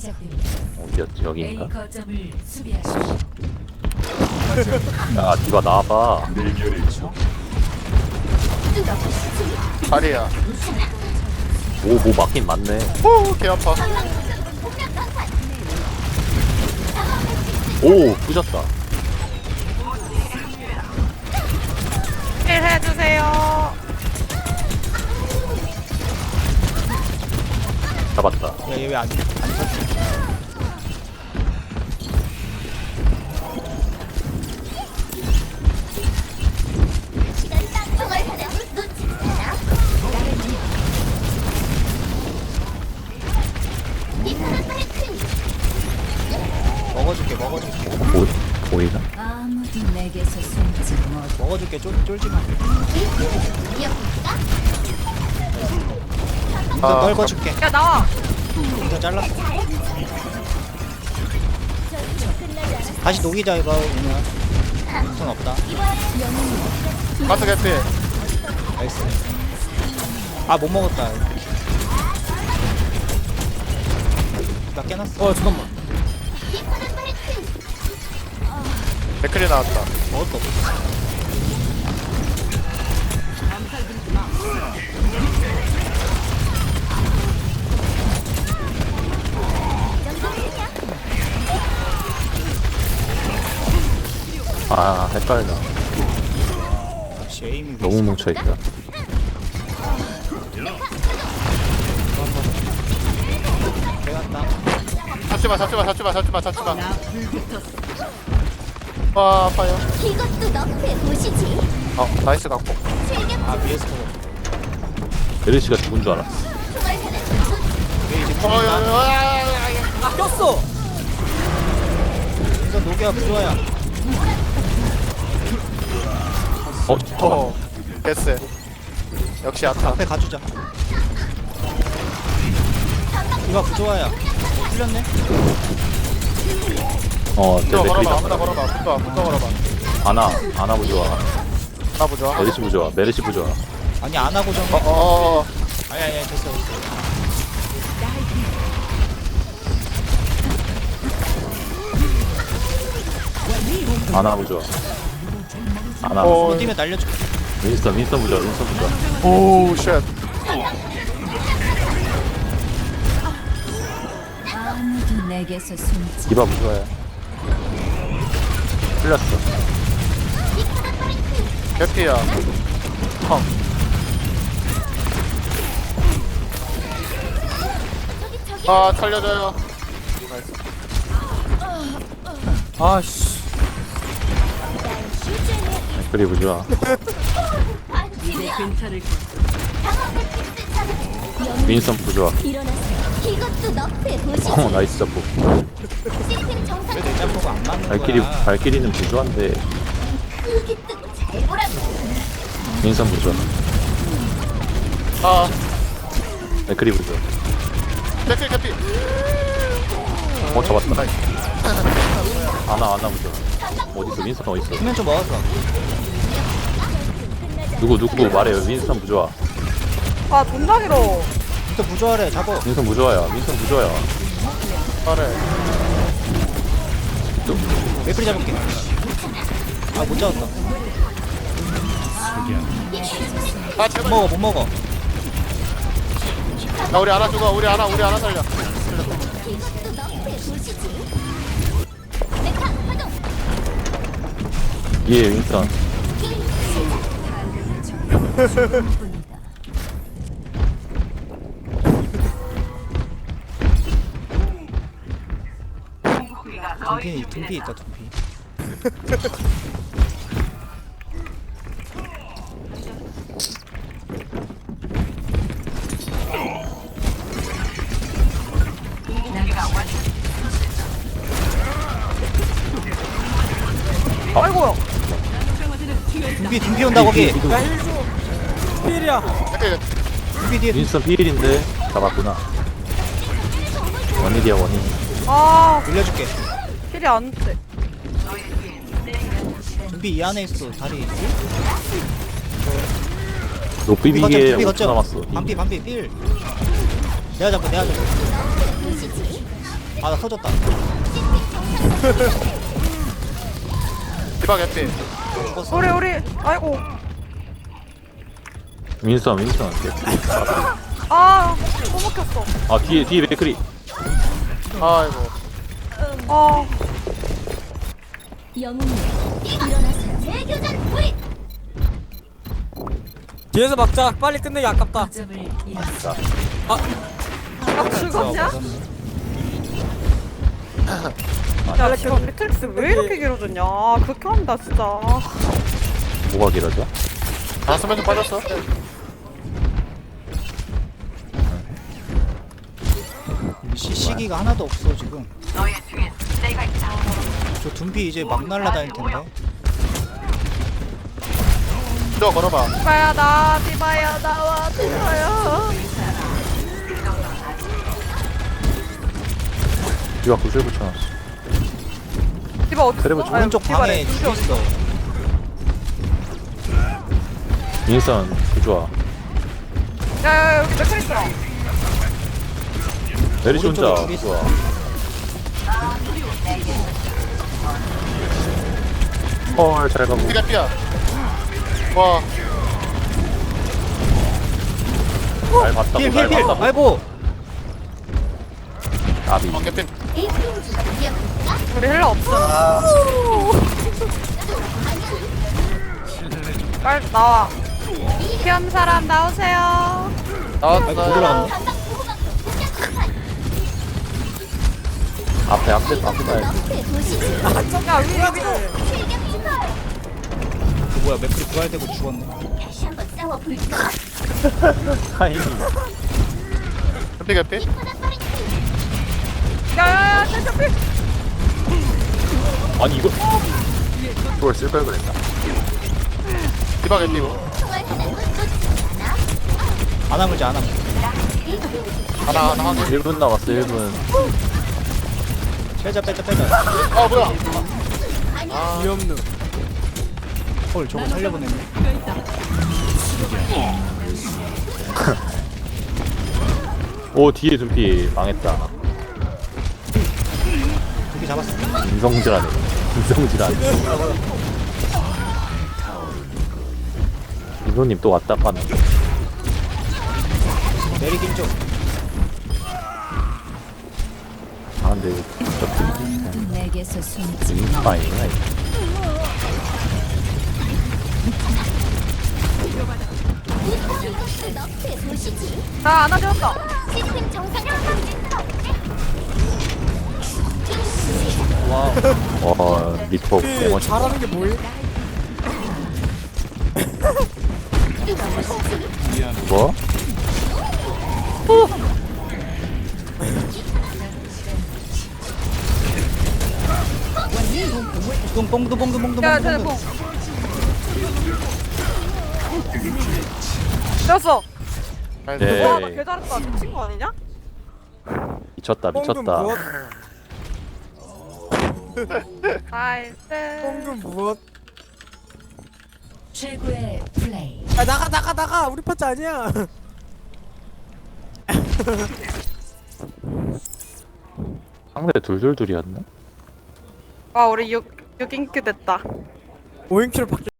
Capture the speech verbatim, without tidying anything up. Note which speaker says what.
Speaker 1: 시작됩니다.
Speaker 2: 어디였지?
Speaker 1: A
Speaker 2: 여기인가?
Speaker 1: 거점을 수비하십시오.
Speaker 2: 야 디바 나와봐.
Speaker 3: 다리야.
Speaker 2: 오뭐 맞긴 맞네.
Speaker 3: 오, 개 아파.
Speaker 2: 오 부셨다.
Speaker 4: 힐 해주세요.
Speaker 2: 잡았다.
Speaker 5: 얘 왜 안, 안 쳤지? 먹어줄게, 먹어줄게.
Speaker 2: 보 보이나?
Speaker 1: 아무도 내게서 숨지 못.
Speaker 5: 먹어줄게, 쫄, 쫄지 마.
Speaker 3: 아,
Speaker 5: 아, 넓어줄게.
Speaker 4: 야 나와.
Speaker 5: 일단 잘랐어. 다시 녹이자, 이거, 그냥. 손 없다.
Speaker 3: 가스 개피.
Speaker 5: 나이스. 아, 못 먹었다. 나 깨놨어. 어, 잠깐만.
Speaker 3: 맥클이 나왔다.
Speaker 5: 먹을 거 없어.
Speaker 2: 아 헷갈려.
Speaker 5: 역시 에임이
Speaker 2: 너무 뭉쳐있다.
Speaker 5: 빼갔다.
Speaker 3: 잡지마, 잡지마, 잡지마, 잡지마, 잡지마. 와, 아파요.
Speaker 6: 이것도 너프에 보시지.
Speaker 3: 어, 나이스 갖고.
Speaker 5: 아, 위에서.
Speaker 2: 베르시가 죽은 줄 알았어.
Speaker 5: 왜 이제
Speaker 3: 어, 야, 야,
Speaker 5: 죽는다?
Speaker 3: 야, 야, 야, 야.
Speaker 5: 아, 꼈어! 이거 녹여, 부조야.
Speaker 2: 어
Speaker 3: 어,
Speaker 2: 잠깐만.
Speaker 3: 됐어. 역시 아타.
Speaker 5: 앞에 가주자. 이거 부조야. 어, 풀렸네?
Speaker 2: 어
Speaker 3: 붙어
Speaker 2: 내 맥클이
Speaker 3: 걸어봐, 아무나
Speaker 2: 잡아.
Speaker 3: 걸어봐, 붙어, 붙어 걸어봐.
Speaker 2: 아나 아나 부좋아.
Speaker 3: 나 보자.
Speaker 2: 메르시 부좋아. 메르시 부좋아.
Speaker 5: 아니, 안 하고 좀.
Speaker 3: 어, 어, 어.
Speaker 5: 아니, 아니, 됐어, 됐어.
Speaker 2: 아나 부좋아. 아나.
Speaker 3: 어.
Speaker 5: 이거 뛰면 날려줄게.
Speaker 2: 윈스턴 윈스턴 부좋아. 윈스턴 부좋아.
Speaker 3: 오, 쉣.
Speaker 1: 아무도 내게서 숨지.
Speaker 2: 디바 부좋아야. 풀렸어.
Speaker 3: 개피야. 펑. 아, 살려줘요. 나이스.
Speaker 5: 아씨.
Speaker 2: 맥클이 부좋아.
Speaker 1: 이제 근처를
Speaker 2: 윈스턴 부좋아.
Speaker 6: 일어나세요. 이것도 너프에 보시지.
Speaker 2: 어 나이스 잡고.
Speaker 6: 시스템 정상.
Speaker 5: 왜 내 짬뽕가 안 맞는
Speaker 2: 발키리
Speaker 5: 거야?
Speaker 2: 발키리는 부좋한데
Speaker 6: 크게 뜨고 잘 보라고.
Speaker 2: 윈스턴 부좋아.
Speaker 3: 아,
Speaker 2: 맥클이 부좋아.
Speaker 3: 개피, 개피.
Speaker 2: 어 잡았다.
Speaker 3: 나이스.
Speaker 2: 아나 아나 부좋아. 어딨어 윈스턴 어딨어?
Speaker 5: 수면 좀 먹었어.
Speaker 2: 누구 누구 말해요. 윈스턴 부좋아.
Speaker 4: 아 존나 길어.
Speaker 5: 또 부조하래, 잡어.
Speaker 2: 윈스턴 부좋아야. 윈스턴 부좋아야.
Speaker 3: 말해.
Speaker 5: 맥클이 잡을게. 아, 못 잡았다.
Speaker 3: 아,
Speaker 5: 못
Speaker 3: 제발.
Speaker 5: 먹어, 못 먹어.
Speaker 3: 나 우리 하나 죽어. 우리 하나, 우리 하나 살려.
Speaker 6: 이것도 너프에 보시지. 메카 파동.
Speaker 2: 예 윈스턴.
Speaker 1: 뿐이다.
Speaker 5: 둠피, 둠피 있다, 둠피.
Speaker 4: 아이고야.
Speaker 5: 둠피, 둠피 온다, 거기.
Speaker 4: 필이야.
Speaker 3: 개피.
Speaker 5: 둠피 뒤에.
Speaker 2: 윈스턴 피일인데 잡았구나. 원일이야 원일.
Speaker 4: 아
Speaker 5: 올려줄게.
Speaker 4: 필이 안 돼.
Speaker 5: 둠피 이 안에 있어, 다리.
Speaker 2: 노비비게
Speaker 5: 둠피
Speaker 2: 오 초 남았어.
Speaker 5: 반피, 반피, 필. 내가 잡고, 내가 잡고. 아 나 터졌다.
Speaker 3: 디바 개피.
Speaker 4: 우리 우리 아이고
Speaker 2: 윈선 윈선.
Speaker 4: 아 또 먹혔어.
Speaker 2: 아 뒤에 뒤에 맥크리.
Speaker 3: 아이고.
Speaker 4: 아
Speaker 6: 영웅님 일어나서 재교전 우리
Speaker 7: 뒤에서 막자. 빨리 끝내기 아깝다.
Speaker 1: 점을 잃었어.
Speaker 4: 나 죽었냐?
Speaker 5: 맞았네.
Speaker 4: 야 지금 매트릭스 왜 이렇게 길어졌냐? 극혐다 진짜.
Speaker 2: 뭐가 길어져?
Speaker 3: 다섯 명좀 빠졌어.
Speaker 5: 시, 시기가 하나도 없어 지금. 저 둠피 이제 막 날라다닐 텐데.
Speaker 3: 저 걸어봐.
Speaker 4: 디바야 나 디바야 나와 디바야.
Speaker 2: 뒤가 구슬 붙여놨어.
Speaker 4: 디바 어디
Speaker 2: 그래, 뭐
Speaker 4: 있어?
Speaker 5: 오른쪽
Speaker 4: 디바래.
Speaker 5: 방에
Speaker 4: 디바
Speaker 5: 둠피 있어.
Speaker 2: 윈선 그 좋아.
Speaker 4: 야야 여기 매트릭스.
Speaker 2: 메리시 혼자
Speaker 5: 오른쪽에 둘이 있어.
Speaker 2: 좋아. 헐 잘 가고.
Speaker 3: 디가 삐야. 와.
Speaker 2: 잘 봤다고
Speaker 5: 필
Speaker 2: 잘
Speaker 5: 필 필.
Speaker 2: 봤다고.
Speaker 5: 아이고.
Speaker 2: 나비.
Speaker 3: 어 개피.
Speaker 6: 에이핑즈 기억할까?
Speaker 4: 우리 헬라 없어. 빨리 나와. 피한 사람 나오세요.
Speaker 3: 나왔어.
Speaker 5: 아이고 못 올라갔네.
Speaker 6: 감각 보호막 공격
Speaker 2: 앞에 앞에 앞에 가야지.
Speaker 6: 너프의 도시지
Speaker 4: 야 위로 위로.
Speaker 6: 실격 증거
Speaker 5: 그 뭐야 맥클이 부활되고 죽었네.
Speaker 6: 다시 한번 싸워볼까?
Speaker 2: 타이밍.
Speaker 3: 개피 개피.
Speaker 6: 하나빨리
Speaker 4: 야야야 잠깐 피.
Speaker 2: 아니 이거 이걸 쓸 걸 그랬나?
Speaker 3: 디바 개피.
Speaker 6: 총알 하나도 놓치지 않아.
Speaker 5: 안 하물지 안 하물.
Speaker 3: 하나 하나 하나.
Speaker 2: 일 분 남았어 일 분.
Speaker 5: 빼자 빼자 빼자.
Speaker 3: 아 뭐야?
Speaker 7: 귀엽누.
Speaker 5: 헐 저거 살려보냈네.
Speaker 2: 오 뒤에 둠피 망했다.
Speaker 5: 둠피 잡았어.
Speaker 2: 인성질하네. 인성질하네. 이노님 또 왔다 가네.
Speaker 5: 내리긴 좀.
Speaker 2: 아 근데 저
Speaker 1: 아무도 내게서 숨지
Speaker 2: 인파이구나 이거.
Speaker 6: 이것도 너프의 도시지
Speaker 4: 나 안아줬어.
Speaker 6: 시스템 정상화
Speaker 5: 와우.
Speaker 2: 어 리퍼
Speaker 7: 그
Speaker 2: 개멋있다.
Speaker 7: 잘하는 게 뭐임?
Speaker 2: 뭐?
Speaker 5: 똥 똥도 뽕도 뽕도
Speaker 4: 야
Speaker 5: 뽕도
Speaker 4: telephone.
Speaker 5: 뽕도.
Speaker 4: 됐어.
Speaker 2: 네.
Speaker 4: 와, 나 개잘했다. 미친 거 아니냐?
Speaker 2: 미쳤다
Speaker 7: 뽕금
Speaker 2: 미쳤다.
Speaker 7: 무엇?
Speaker 4: 나이스.
Speaker 7: 뽕금 무엇?
Speaker 1: 최고의 플레이.
Speaker 7: 아 나가 나가 나가. 우리 파츠 아니야.
Speaker 2: 상대 둘둘둘이었나?
Speaker 4: 와, 우리 육, 육 인큐 됐다.
Speaker 7: 오인큐를 받게.